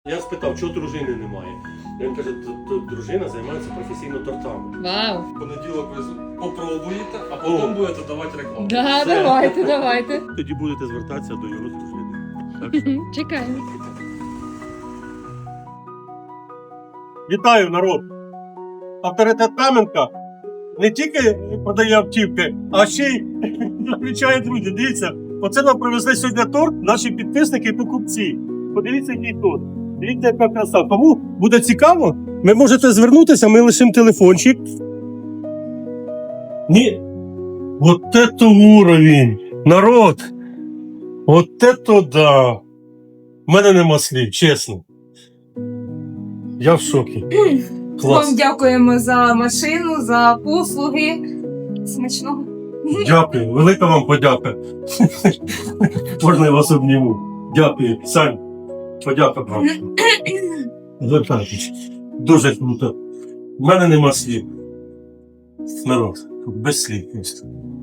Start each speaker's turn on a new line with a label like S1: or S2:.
S1: Я спитав, чого дружини немає. Він каже, дружина займається професійно тортами.
S2: Вау.
S3: В понеділок ви попробуєте, а потім будете давати рекламу.
S2: Да,
S1: Все.
S2: давайте.
S1: Тоді будете звертатися до його дружини. Так що...
S2: Чекаємо.
S1: Вітаю, народ! Авторитет Кам'янка не тільки продає автівки, а ще й зустрічає друзів. Дивіться, оце нам привезли сьогодні торт наші підписники і покупці. Подивіться, який торт. Дивіться, яка краса. Кому буде цікаво, ви можете звернутися, ми лишимо телефончик. Ні. Вот это уровень! Народ! Вот это да! У мене нема слів, чесно. Я в шокі. Клас.
S4: Вам дякуємо за машину, за послуги. Смачного.
S1: Дякую, велика вам подяка. Можна я вас обніму. Дякую. Сань, подяка вам. Звертайтесь. Дуже круто. У мене нема слів. Народ, без слів.